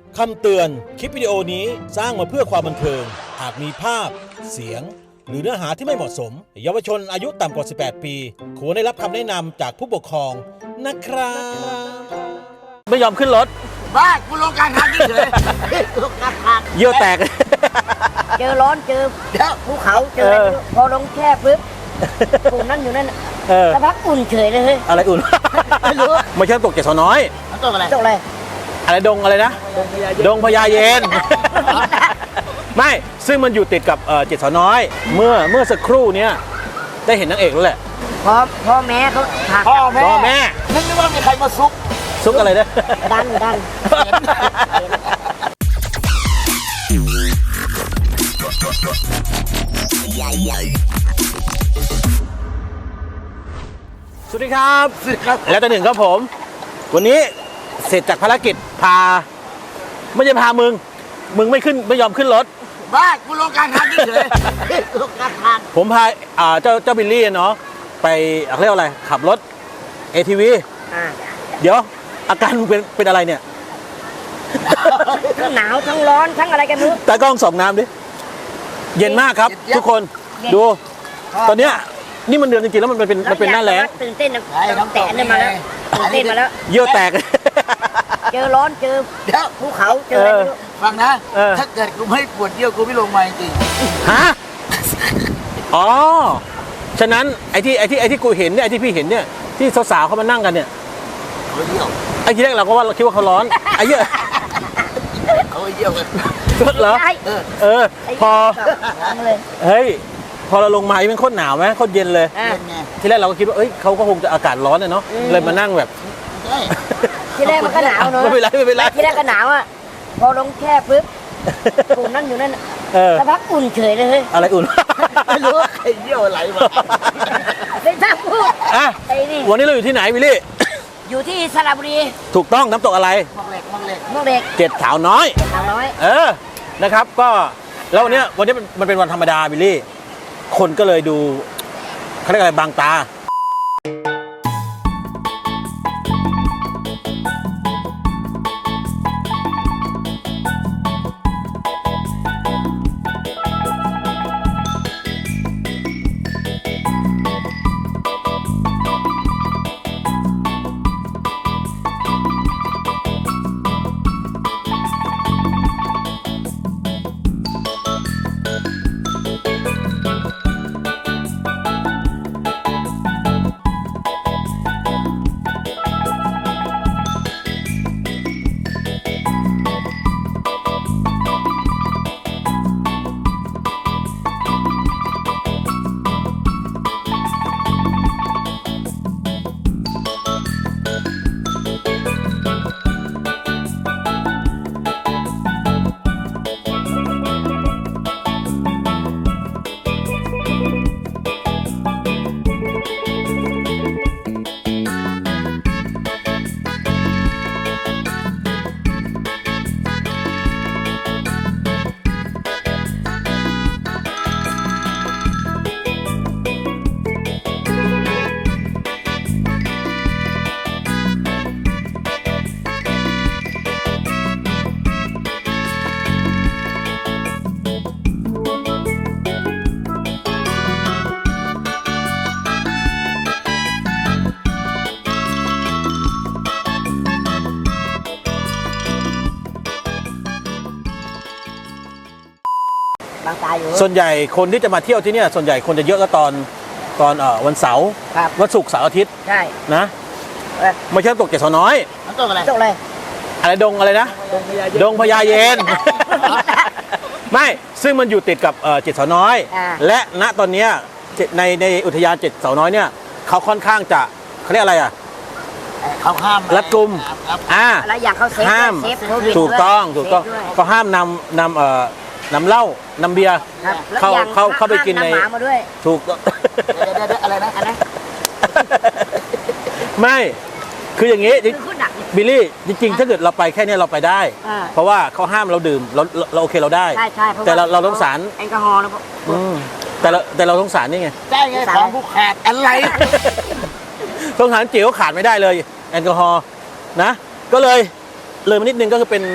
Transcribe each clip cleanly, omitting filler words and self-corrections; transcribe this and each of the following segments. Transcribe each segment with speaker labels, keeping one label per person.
Speaker 1: คำเตือน คลิปวิดีโอนี้สร้างมาเพื่อความบันเทิง อาจมีภาพ เสียง หรือเนื้อหาที่ไม่เหมาะสม เยาวชนอายุต่ำกว่า 18 ปี ควรได้รับคำแนะนำจากผู้ปกครองนะครับ ไม่ยอมขึ้นรถ
Speaker 2: บ้ากูลงกลางทางเฉยลงกลางทาง
Speaker 1: เยี่ยวแตก
Speaker 3: เจอร้อนเจอ
Speaker 2: เดี๋ยว
Speaker 3: ภูเขาเจออะไรไม่รู้พอลงแช่ปุ๊บปุ่มนั่นอยู่นั่นน่ะ สักพักอุ่นเฉยเลยเฮ้ย
Speaker 1: อะไรอุ่น
Speaker 3: ไม่รู้
Speaker 1: ไม่ใช่ตกเจ็ดสาวน้อย
Speaker 2: มันต้องอะไร
Speaker 3: ตกอะไร
Speaker 1: อะไรดงอะไรนะ ดงพญาเย็น ไม่ ซึ่งมันอยู่ติดกับเจ็ดสาวน้อย เมื่อสักครู่เนี้ยได้เห็นนางเอกแล้วแหละ
Speaker 3: พ่อแม่เขาผลัก
Speaker 2: พ่อแม่
Speaker 1: พ่อแม่
Speaker 2: นึกว่ามีใครมาซุก
Speaker 1: ซุกอะไรนะ
Speaker 3: ดัน
Speaker 1: สวัสดีครับ แล้วแต่หนึ่งครับผม วันนี้เสร็จจากภารกิจพา ไม่ใช่พามึงไม่ขึ้นไม่ยอมขึ้นรถ
Speaker 2: บ้ากูลงกลางทางเฉยลงกลางทาง
Speaker 1: ผมพาเจ้าบิลลี่เนาะไปเรียกว่าอะไร ขับรถ ATV
Speaker 3: อ่า
Speaker 1: เดี๋ยว อาการมึงเป็นอะไรเนี่ย
Speaker 3: ทั้งหนาวทั้งร้อนทั้งอะไรกันไม่รู้
Speaker 1: ตากล้องส่องน้ำดิ เย็นมากครับ ทุกคน
Speaker 3: เย็น
Speaker 1: ดู ตอนเนี้ยนี่มันเดือนจริงๆแล้วมันเป็นหน้าแล้ง
Speaker 3: ตื่นเต้นนะแต่เนี่ยมาแล้วตื่นเต้นมาแล้ว
Speaker 1: เยี่ยวแตก
Speaker 3: เจอร้อนเจอ
Speaker 2: เดี๋ยว
Speaker 3: ภูเขาเจออะไรไม่รู้
Speaker 2: ฟังนะ
Speaker 1: เออ
Speaker 2: ถ้าเกิดกูไม่ปวดเยี่ยวกูไม่ลงมาจริง
Speaker 1: ฮะ อ๋อ ฉะนั้นไอ้ที่กูเห็นเนี่ยไอ้ที่พี่เห็นเนี่ยที่สาวๆเขามานั่งกันเนี่ย
Speaker 2: เขาเยี่ยว
Speaker 1: ไอ้ทีแรกเราก็ว่าเราคิดว่าเขาร้อน ไอ้เหี้ย
Speaker 2: เขาเยี่ยวกัน
Speaker 1: เหรอ
Speaker 3: ใช่
Speaker 1: เออ
Speaker 3: ไอ้
Speaker 1: พอ
Speaker 3: เลย
Speaker 1: เฮ้ย พอเราลงมามันโคตรหนาวไหมโคตรเย็นเลย
Speaker 3: อ่ะ
Speaker 2: เป็นไง
Speaker 1: ทีแรกเราก็คิดว่าเอ้ยเขาก็คงจะอากาศร้อนเนาะ เลยมานั่งแบบ
Speaker 2: ใช่
Speaker 3: ที่แรกมันก็หนาวเนอะ
Speaker 1: ไม่เป็นไรไม่เป็นไร
Speaker 3: ที่แรกก็หนาวอ่ะพอลงแช่ปุ๊บปุ่มนั่นอยู่นั่นน่ะ
Speaker 1: เออ
Speaker 3: สักพักอุ่นเฉยเลยเฮ้ย
Speaker 1: อะไรอุ่น
Speaker 2: ไม่รู้ว่าใครเยี่ยวไหลมา
Speaker 3: เป็นท่าพูด
Speaker 1: อ่ะ
Speaker 3: ไอ้นี่
Speaker 1: วันนี้เราอยู่ที่ไหนวิลลี่
Speaker 3: อยู่ที่สระบุรี
Speaker 1: ถูกต้องน้ำตกอะไร
Speaker 2: มองเหล็กมองเหล็ก
Speaker 3: เมื่อเด็ก
Speaker 1: เจ็ดสาวน้อย
Speaker 3: สาวน้อย
Speaker 1: เออ นะครับ ก็แล้ววันนี้มันเป็นวันธรรมดาวิลลี่ คนก็เลยดูเขาเรียกอะไรบางตา
Speaker 3: บางตาอยู่
Speaker 1: ส่วนใหญ่คนที่จะมาเที่ยวที่เนี่ยส่วนใหญ่คนจะเยอะก็ตอนวันเสาร์
Speaker 3: ครับ
Speaker 1: วันศุกร์เสาร์อาทิตย์
Speaker 3: ใช่
Speaker 1: นะ
Speaker 3: เออ
Speaker 1: ไม่ใช่ตกเจ็ดสาวน้อย
Speaker 2: มันต้องอะไร
Speaker 3: ตกอะไร
Speaker 1: อะไรดงอะไรนะ ดงพญาเย็น ไม่ ซึ่งมันอยู่ติดกับเจ็ดสาวน้อย
Speaker 3: อ่า
Speaker 1: และณตอนเนี้ยในอุทยานเจ็ดสาวน้อยเนี่ยเขาค่อนข้างจะเขาเรียกอะไรอ่ะ
Speaker 2: เขาห้าม
Speaker 1: รัดกุม อ่า
Speaker 3: อะไรอย่างเขาเซฟ
Speaker 1: ห้าม
Speaker 3: เซฟโควิด
Speaker 1: ถูกต้อง
Speaker 3: ด้วย
Speaker 1: ถูกต้อง
Speaker 3: เซฟด้วย
Speaker 1: เขาห้ามนำเหล้านำเบียร์
Speaker 3: ครับแล้ว
Speaker 1: เข้า
Speaker 3: อย่าง
Speaker 1: เข้าไปกินใน
Speaker 3: ห้ามำหมามาด้วย
Speaker 1: ถูก
Speaker 2: เดี๋ยวอะไรนะ
Speaker 3: อันนั้น
Speaker 1: ไม่ คืออย่างนี้
Speaker 3: คือคุณหนัก
Speaker 1: บิลลี่จริงๆ ถ้าเกิดเราไปแค่เนี้ยเราไปได้
Speaker 3: อ่า
Speaker 1: เพราะว่าเขาห้ามเราดื่มเราโอเคเราได้
Speaker 3: ใช่ใช่เพราะ
Speaker 1: แต่เรา
Speaker 3: ว่
Speaker 1: เราต้องสาร
Speaker 3: แอลกอฮอล์นะ
Speaker 1: อืมแต่เราต้องสารนี่ไง
Speaker 2: ได้ไงของผู้ขาดอะไร
Speaker 1: ต้องสารจิ๋วขาดไม่ได้เลยแอลกอฮอล์นะ ก็เลยมานิดนึงก็คือเป็น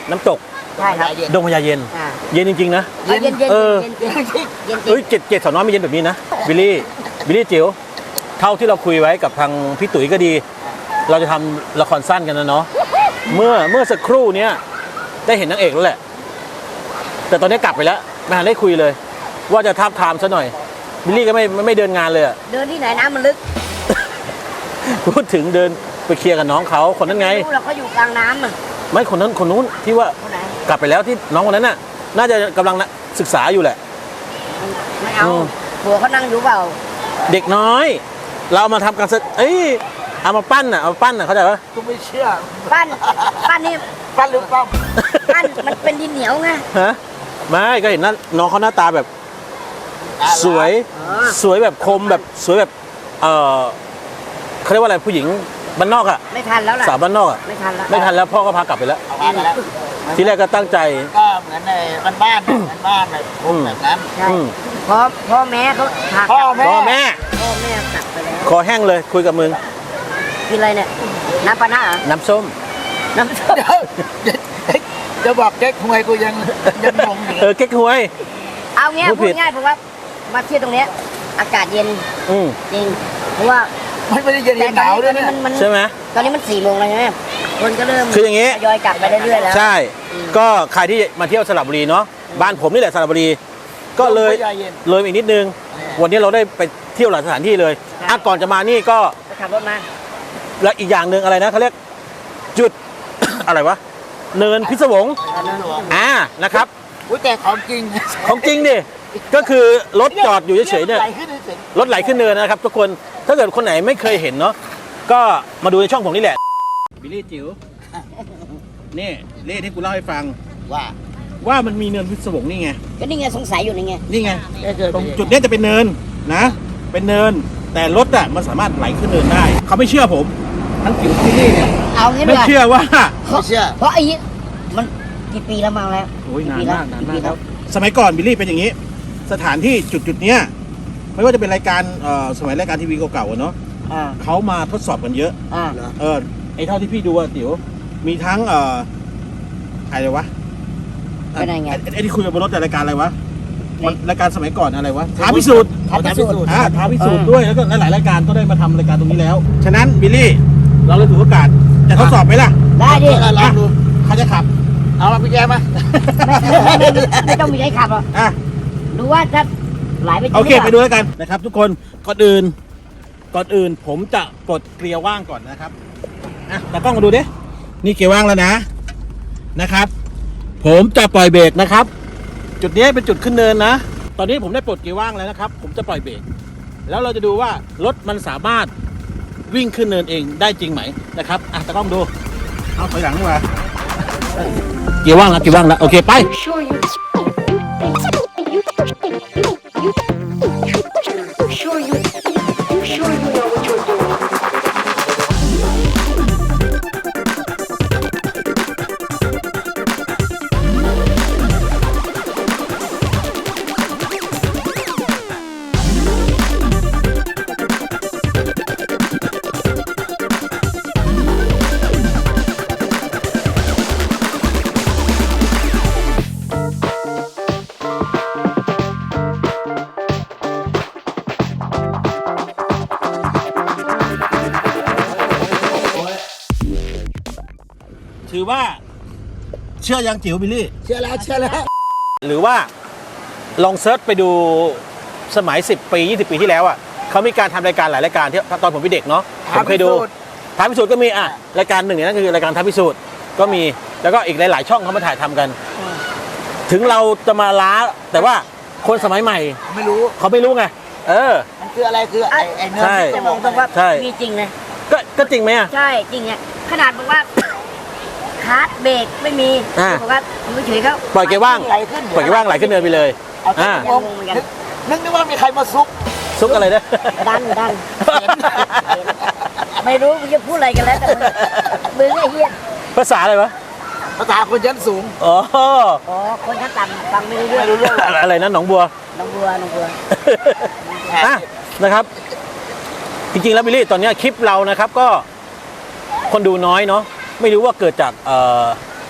Speaker 1: น้ำตก
Speaker 3: ใช่ครับ
Speaker 1: ดงพญาเย็น
Speaker 3: อ่า
Speaker 1: เย็นจริงๆนะ
Speaker 3: เย็นเย็นเย็น
Speaker 1: เออ
Speaker 3: เย็นเย็นเย็น
Speaker 1: เอ้ยเจ็ดสาวน้อยมีเย็นแบบนี้นะบิลลี่จิ๋วเท่าที่เราคุยไว้กับทางพี่ตุ๋ยก็ดี เราจะทำละครสั้นกันนะเนาะเมื่อสักครู่เนี้ยได้เห็นนางเอกแล้วแหละ แต่ตอนนี้กลับไปแล้วไม่ทันได้คุยเลย ว่าจะทาบทามซะหน่อยบิลลี่ก็ไม่เดินงานเลยอะ
Speaker 3: เดินที่ไหนน้ำมันลึก
Speaker 1: พูดถึงเดินไปเคลียร์กับน้องเขาคนนั้นไง
Speaker 3: รู้เราก็อยู่กลางน้ำอ่ะ
Speaker 1: ไม่คนนู้นที่ว่า
Speaker 3: คนไหน
Speaker 1: กลับไปแล้วที่น้องคนนั้นน่ะ น่าจะกำลังศึกษาอยู่แหละ
Speaker 3: ไม่เอา
Speaker 1: อืม
Speaker 3: ผัวเขานั่งอยู่เปล่า
Speaker 1: เด็กน้อย เราเอามาทำการเอ้ยเอามาปั้นน่ะเข้าใจปะ
Speaker 2: กูไม่เชื่อ
Speaker 3: ปั้นนี่
Speaker 2: ปั้นหรือปั้ม
Speaker 3: ปั้นมันเป็นดินเหนียวไง
Speaker 1: ฮะไม่ก็เห็นน้องเขาหน้าตาแบบ สวย
Speaker 3: อ๋อ
Speaker 1: สวยแบบคมแบบสวยแบบเขาเรียกว่าอะไรผู้หญิงบ้านนอกอะ
Speaker 3: ไม่ทันแล้วล่ะ
Speaker 1: สาวบ้านนอกอะ
Speaker 3: ไม่ทันแล้ว
Speaker 1: ไม่ทันแล้วพ่อก็พากลับไปแล้ว
Speaker 2: เอามาแล้ว
Speaker 1: ทีแรกก็ตั้งใจ
Speaker 2: ก็เหมือนในบ้านแบบพวกแบบนั้น
Speaker 3: ใช่
Speaker 1: อืม
Speaker 3: พ่อแม่เขาพากลับ
Speaker 2: พ่อแม่
Speaker 1: พ่อแม่
Speaker 3: พ่อแม่กลับไปแล้ว
Speaker 1: คอแห้งเลยคุยกับมึง
Speaker 3: กินอะไรเนี่ยน้ำปลาหน้าเหรอ
Speaker 1: น้ำส้ม
Speaker 3: น้ำส้ม
Speaker 2: เดี๋ยวจะบอกแก๊กทำไมกูยังงงอยู่เลย
Speaker 1: เก๊กฮวย
Speaker 3: เอาเงี้ย
Speaker 1: พูด
Speaker 3: พู
Speaker 1: ผิ
Speaker 3: ด
Speaker 1: ด
Speaker 3: ง่ายเพราะว่ามาเที่ยวตรงเนี้ยอากาศเย็น
Speaker 1: อืม
Speaker 3: จริงเพราะว่า
Speaker 2: มันไม่ได้เย็นหนาวด้วย
Speaker 3: ตอน
Speaker 2: นะ
Speaker 3: นี้มัน
Speaker 1: ใช่ไหม
Speaker 3: ตอนนี้มัน4 โมงแล้วใช่ไหมคนก็เริ่ม
Speaker 1: คืออย่างงี้
Speaker 3: ทยอยกลับไปเรื่อยๆแล้ว
Speaker 1: ใช่ ก็ใครที่มาเที่ยวสระบุรีเนาะบ้านผมนี่แหละสระบุรี ก็เลย
Speaker 2: ลมพญาเย็น
Speaker 1: เลยอีกนิดนึง วันนี้เราได้ไปเที่ยวหลายสถานที่เลยอ่ะก่อนจะมานี่ก็
Speaker 3: ไปขับรถมา
Speaker 1: แล้วอีกอย่างหนึ่งอะไรนะเขาเรียกจุด อะไรวะเนินพิศวงนะครับ
Speaker 2: อุ้ยแต่ของจริง
Speaker 1: ของจริงดิก็คือรถจอดอยู่เฉยๆเนี่ย
Speaker 2: ไหลขึ้นเฉย
Speaker 1: รถไหลขึ้นเนินนะครับ ทุกคนถ้าเกิดคนไหนไม่เคยเห็นเนาะก็มาดูในช่องผมนี่แหละบิลลี่จิ๋วนี่เล่ที่กูเล่าให้ฟัง
Speaker 2: ๆว่า
Speaker 1: ว่ามันมีเนินพิศวงนี่ไง
Speaker 3: ก็นี่ไงสงสัยอยู่นี่ไง
Speaker 1: นี่ไงตรงจุดเนี้ยจะเป็นเนินนะ เป็นเนิน แต่รถอ่ะมันสามารถไหลขึ้นเนินได้ เขาไม่เชื่อผมทั้งจิ๋วที่นี่เนี่ย
Speaker 3: เอางี้ดี
Speaker 1: ไม่
Speaker 3: กว่า
Speaker 1: เชื่อว่า
Speaker 2: ไม่เชื่อ
Speaker 3: เพราะไอ้นี่มันกี่ปีแล้วมาแล้ว
Speaker 1: โอ้ยนาน
Speaker 3: ปี
Speaker 1: มากนานมาก
Speaker 3: ปี
Speaker 1: แล้วสมัยก่อนบิลลี่เป็นอย่างนี้ สถานที่จุดเนี้ยไม่ว่าจะเป็นรายการสมัยรายการทีวีเก่าๆอะเนาะ
Speaker 3: อ่า
Speaker 1: เขามาทดสอบกันเยอะ
Speaker 3: อ่า
Speaker 1: ไอ้เท่าที่พี่ดูอะติ๋วมีทั้งอะไรวะ
Speaker 3: เป็นไง
Speaker 1: ไอ้ที่คุยกับบนรถแต่รายการอะไรวะ
Speaker 3: ไหน
Speaker 1: มันรายการสมัยก่อนอะไรวะท้าพิสูจน์
Speaker 3: ท้าพิสูจน์
Speaker 1: ท้าพิสูจน์ด้วยแล้วก็หลายๆรายการก็ได้มาทำรายการตรงนี้แล้ว ฉะนั้นบิลลี่เราเลยถือโอกาสจะทดสอบไหมล่ะ
Speaker 3: ได้ดิ
Speaker 2: ลองดู
Speaker 1: เขาจะขับ
Speaker 2: เอามาพี่แกมา
Speaker 3: ไม่ต้องมีใครขับหรอก
Speaker 1: อ่ะ
Speaker 3: ดูว่าจะไหลไปจริง
Speaker 1: โอเค
Speaker 3: ห
Speaker 1: ไป
Speaker 3: รือ
Speaker 1: ดู
Speaker 3: เปล่า
Speaker 1: แล้วกันนะครับ ทุกคนก่อนอื่นผมจะปลดเกียร์ว่างก่อนนะครับอ่ะตากล้องมาดูดินี่เกียร์ว่างแล้วนะครับ ผมจะปล่อยเบรกนะครับ จุดนี้เป็นจุดขึ้นเนินนะ ตอนนี้ผมได้ปลดเกียร์ว่างแล้วนะครับ ผมจะปล่อยเบรกแล้วเราจะดูว่ารถมันสามารถวิ่งขึ้นเนินเองได้จริงไหมนะครับอ่ะตากล้องดูเอาถอยหลังดีกว่าเกียร์ว่างแล้วโอเคไป
Speaker 4: Sure you sure you know what you're doing.
Speaker 1: ถือว่าเชื่อยังจิ๋วบิลลี่
Speaker 2: เชื่อแล้ว
Speaker 1: หรือว่าลองเซิร์ชไปดูสมัย10 ปี 20 ปีที่แล้วอ่ะเขามีการทำรายการหลายรายการที่ตอนผมเป็นเด็กเนาะผมเคยดูท้าพิสูจน์ก็มีอ่ะรายการหนึ่งเนี่ยนั่นคือรายการท้าพิสูจน์ก็มีแล้วก็อีกหลายๆช่องเขามาถ่ายทำกัน ถึงเราจะมาล้าแต่ว่าคนสมัยใหม่
Speaker 2: ไม่รู้
Speaker 1: เขาไม่รู้ไง
Speaker 2: มันคืออะไรคือไอ้เนื้อ
Speaker 1: ใช่
Speaker 2: ที่
Speaker 3: จะ
Speaker 2: จะ
Speaker 3: บบ อ
Speaker 2: อก ก
Speaker 3: ตรงว่า
Speaker 1: ใช่
Speaker 3: มีจริงนะ
Speaker 1: ก็จริงไหมอ่ะ
Speaker 3: ใช่จริงเนี่ยขนาดบอกว่า คาร์ดเบรกไม่มี
Speaker 1: อ่า
Speaker 3: บอกว่าอยู่เฉยๆเขา
Speaker 1: ปล่อยเกียร์ว่าง
Speaker 2: ไหลขึ้น
Speaker 1: ปล่อยเกียร์ว่างไหลขึ้นเนินไปเลย
Speaker 2: เอาที่
Speaker 1: อ่า
Speaker 2: งงนึกว่ามีใครมาซุก
Speaker 1: ซุกอะไรนะ
Speaker 3: ดันไม่รู้มึงจะพูดอะไรกันแล้วแต่มึงไอ้เหี้ย
Speaker 1: ภาษาอะไรวะ
Speaker 2: ภาษาคนชั้นสูง
Speaker 1: อ๋อ
Speaker 3: อ๋อคนชั้นต่ำฟังไม่รู้เรื่อง
Speaker 2: ไม่รู้เรื่องหรอก
Speaker 1: อะไรนะหนองบัว
Speaker 3: น้องบัว
Speaker 1: อ่ะนะครับ จริงๆแล้วบิลลี่ตอนนี้คลิปเรานะครับก็คนดูน้อยเนาะไม่รู้ว่าเกิดจาก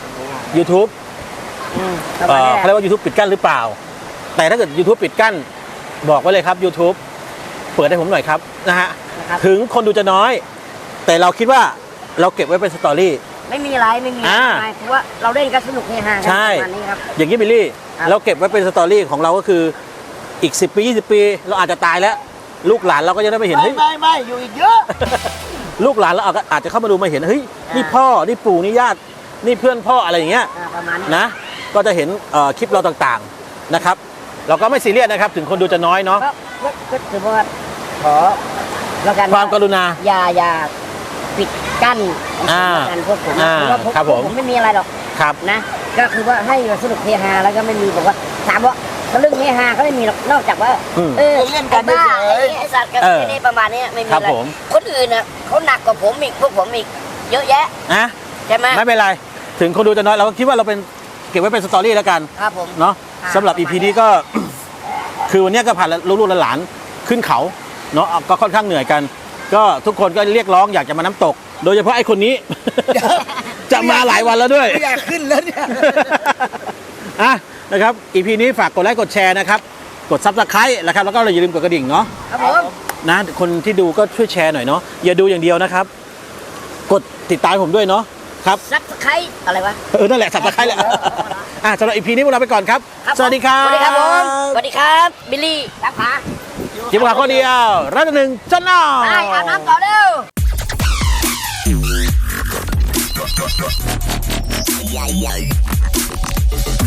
Speaker 1: YouTube
Speaker 3: ประมาณนี้แห
Speaker 1: เขา
Speaker 3: ละ
Speaker 1: เรียกว่า YouTube ปิดกั้นหรือเปล่า แต่ถ้าเกิด YouTube ปิดกั้นบอกไว้เลยครับ YouTube เปิดให้ผมหน่อยครับนะฮะ
Speaker 3: นะครับ
Speaker 1: ถึงคนดูจะน้อย แต่เราคิดว่าเราเก็บไว้เป็นสตอรี่
Speaker 3: ไม่มีอะไรไม่มีอะไรเพราะว่าเราเล่นกันสนุกเฮฮากั
Speaker 1: ใช่
Speaker 3: ประมาณนี้ครับ
Speaker 1: อย่างนี้บิลลี่
Speaker 3: ครับ
Speaker 1: เราเก็บไว้เป็นสตอรี่ของเราก็คืออีก10 ปี 20 ปี เราอาจจะตายแล้ว ลูกหลานเราก็จะได้ไปเห็น
Speaker 2: ไม่
Speaker 1: เฮ้ย
Speaker 2: ไม่อยู่อีกเยอะ
Speaker 1: ลูกหลานเราอาจจะเข้ามาดูมาเห็นเฮ้ยนี่พ่อนี่ปู่นี่ญาตินี่เพื่อนพ่ออะไรอย่างเงี้ย
Speaker 3: ประมาณนี้
Speaker 1: นะก็จะเห็นคลิปเราต่างๆนะครับ เราก็ไม่ซีเรียสนะครับ ถึงคนดูจะน้อยเนาะ
Speaker 3: ก็ถือว่าขอแล้วกัน
Speaker 1: ความกรุณา
Speaker 3: อย่าปิดกั้น
Speaker 1: อ่า
Speaker 3: กันพวกผม
Speaker 1: อ่า
Speaker 3: เพราะว่า
Speaker 1: ครับผม
Speaker 3: ผมไม่มีอะไรหรอก
Speaker 1: ครับ
Speaker 3: นะ ก็คือว่าให้สนุกเฮฮาแล้วก็ไม่มีบอกว่าถามว่าเรื่องเฮฮาก็ไม่มีหรอกนอกจากว่า
Speaker 1: อืม
Speaker 2: เล่นกัน
Speaker 3: ไอ้บ้า
Speaker 2: เฉย
Speaker 3: ไอ้สัตว์กัน
Speaker 1: เออ
Speaker 3: นี่ประมาณนี้ไม่มี
Speaker 1: ครับ
Speaker 3: อะไร
Speaker 1: ผม
Speaker 3: คนอื่นน่ะเขาหนักกว่าผมอีกพวกผมอีกเยอะแยะ
Speaker 1: นะ
Speaker 3: ใช่ไหม
Speaker 1: ไม่เป็นไร ถึงคนดูจะน้อยเราก็คิดว่าเราเป็นเก็บไว้เป็นสตอรี่แล้วกัน
Speaker 3: ครับผม
Speaker 1: เนาะ
Speaker 3: ครับ
Speaker 1: สำหรับ EP นี้ก็ คือวันเนี้ยก็ผ่านลูกๆหลานๆขึ้นเขาเนาะก็ค่อนข้างเหนื่อยกัน ก็ทุกคนก็เรียกร้องอยากจะมาน้ำตก โดยเฉพาะไอ้คนนี้ จะมาหลายวันแล้วด้วย
Speaker 2: ไม่อยากขึ้นแล้วเนี่ย
Speaker 1: อ่ะนะครับ EP นี้ฝากกดไลค์กดแชร์นะครับ กด Subscribe นะครับแล้วก็อย่าลืมกดกระดิ่งเนาะ
Speaker 3: ครับผม
Speaker 1: นะคนที่ดูก็ช่วยแชร์หน่อยเนาะอย่าดูอย่างเดียวนะครับ กดติดตามผมด้วยเนาะครับ
Speaker 3: ซับสไครอะไรวะ
Speaker 1: นั่นแหละ Subscribe แหละสำหรับ EP นี้พวกเราไปก่อนครับ
Speaker 3: ครับ
Speaker 1: สวัสดีครับ
Speaker 3: สวัสดีครับผมสวัสดีครับบิลลี่รับขา
Speaker 1: จิบขาข้อเดียวรัตหนึ่งจันนอ
Speaker 3: ไปอาบน้ำต่อเร็ว
Speaker 4: Yeah, yeah.